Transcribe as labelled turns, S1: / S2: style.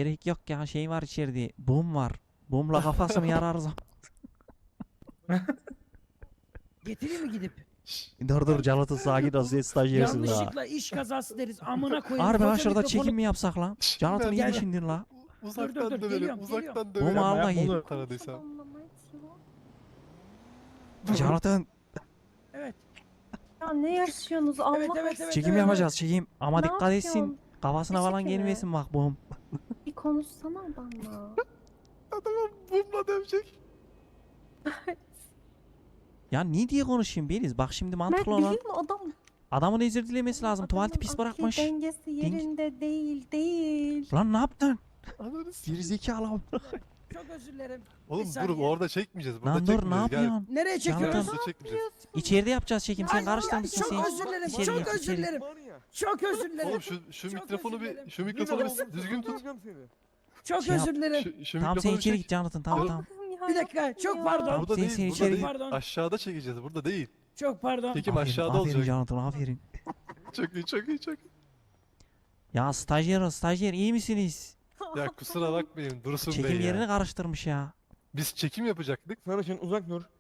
S1: Gerek yok ya, şey var içeride. Bum var. Bumla kafasını yararız.
S2: Getireyim mi gidip?
S1: Dur Canat'ın sakin ol, sen stajyersin daha.
S2: Yanlışlıkla iş kazası deriz. Amına koyayım.
S1: Harbi lan
S2: Koca
S1: şurada
S2: mikrofonu-
S1: çekim mi yapsak lan? Canat'ın iyi
S2: Gel.
S1: düşündün la.
S3: Uzaktan
S2: dur,
S3: dövelim,
S2: geliyorum,
S3: uzaktan
S1: Bu
S3: dövelim.
S1: mu al da gel.
S3: Tanıdıysam.
S1: Canat'ın
S2: Evet.
S4: Ya ne yaşıyorsunuz Allah
S2: Evet, evet,
S4: aşkına?
S2: evet.
S1: çekim yapacağız, çekim. Ama
S4: Ne
S1: dikkat etsin.
S4: yapıyorsun?
S1: Kafasına
S4: Ne
S1: falan
S4: çekimi?
S1: gelmesin bak bum.
S4: Bir konuşsana adamla.
S3: Adamı bumla dövecek.
S1: Ya ne diye konuşayım Beliz? Bak şimdi
S4: Mert
S1: mantıklı
S4: biliyor
S1: olan.
S4: musun adam?
S1: Adamın özür dilemesi lazım. Tuvaleti pis
S4: akli
S1: bırakmış.
S4: dengesi yerinde değil.
S1: Lan ne yaptın?
S3: Ananı s***.
S1: Gerizekalı.
S2: Çok özür dilerim.
S3: Oğlum
S2: Bir
S3: dur
S2: saniye.
S3: orada çekmeyeceğiz. Burada
S1: Lan dur ne
S3: çekmeyeceğiz. Gel.
S1: yapıyorsun?
S2: Nereye çekiyoruz?
S1: Canım.
S3: Burada çekmeyeceğiz.
S1: İçeride yapacağız çekim. Sen
S2: Ay,
S1: karıştırmışsın
S2: çok
S1: sen.
S2: özür dilerim.
S1: İçeri
S2: Çok
S1: gir,
S2: özür
S1: içeri.
S2: dilerim. Çok özür dilerim.
S3: Oğlum şu
S2: Çok
S3: mikrofonu
S2: özür
S3: bir
S2: dilerim.
S3: şu mikrofonu bir düzgün tut.
S2: Çok
S1: Şey yap.
S2: özür dilerim.
S3: Şu
S1: Tamam sen
S3: mikrofonu
S1: içeri
S3: çek.
S1: git Canat'ın, tamam tamam.
S2: Bir dakika, çok pardon.
S1: Tamam,
S3: Burada
S1: sen
S3: değil,
S1: içeri
S3: burada
S1: git.
S3: değil.
S2: Pardon.
S3: Aşağıda çekeceğiz. Burada değil.
S2: Çok pardon.
S3: Çekim aşağıda
S1: Aferin
S3: olacak.
S1: Canat'ın, aferin.
S3: Çok iyi, çok iyi, çok iyi.
S1: Ya stajyer iyi misiniz?
S3: Ya kusura bakmayın Dursun
S1: Çekim
S3: Bey ya.
S1: yerini karıştırmış ya.
S3: Biz çekim yapacaktık.
S5: Sarışın uzak dur.